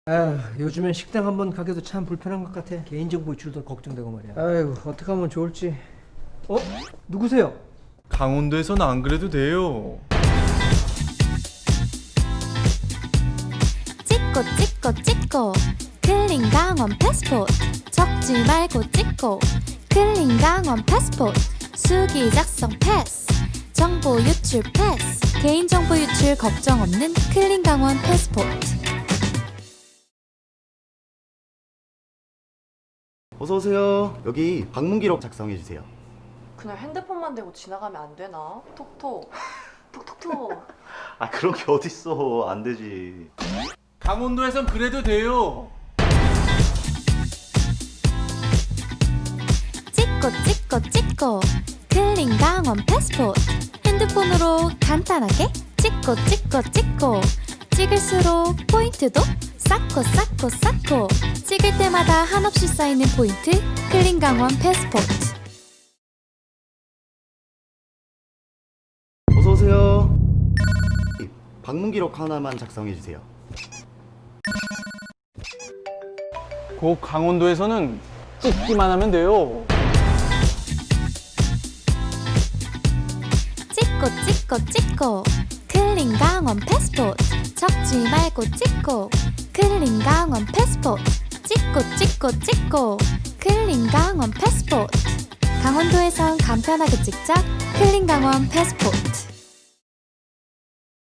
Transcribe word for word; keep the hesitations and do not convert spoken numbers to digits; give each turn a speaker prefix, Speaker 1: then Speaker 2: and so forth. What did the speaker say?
Speaker 1: 아휴, 요즘엔 식당 한번 가기도 참 불편한 것 같아. 개인정보 유출도 걱정되고 말이야. 아이고, 어떻게 하면 좋을지. 어? 누구세요?
Speaker 2: 강원도에선 안 그래도 돼요.
Speaker 3: 찍고 찍고 찍고 클린 강원 패스포트 적지 말고 찍고 클린 강원 패스포트 수기 작성 패스 정보 유출 패스 개인정보 유출 걱정 없는 클린 강원 패스포트.
Speaker 4: 어서오세요. 여기 방문 기록 작성해주세요.
Speaker 5: 그냥 핸드폰만 대고 지나가면 안 되나? 톡톡 톡톡톡.
Speaker 4: 아 그런 게 어딨어. 안 되지.
Speaker 2: 강원도에선 그래도 돼요.
Speaker 3: 찍고 찍고 찍고 클린 강원 패스포트 핸드폰으로 간단하게 찍고 찍고 찍고 찍을수록 포인트도 쌓고 쌓고 쌓고 찍을 때마다 한없이 쌓이는 포인트 클린 강원 패스포트.
Speaker 4: 어서오세요. 방문 기록 하나만 작성해주세요.
Speaker 2: 곧 강원도에서는 찍기만 하면 돼요.
Speaker 3: 찍고 찍고 찍고 클린 강원 패스포트 적지 말고 찍고 클린 강원 패스포트 찍고 찍고 찍고 클린 강원 패스포트 강원도에선 간편하게 찍자 클린 강원 패스포트.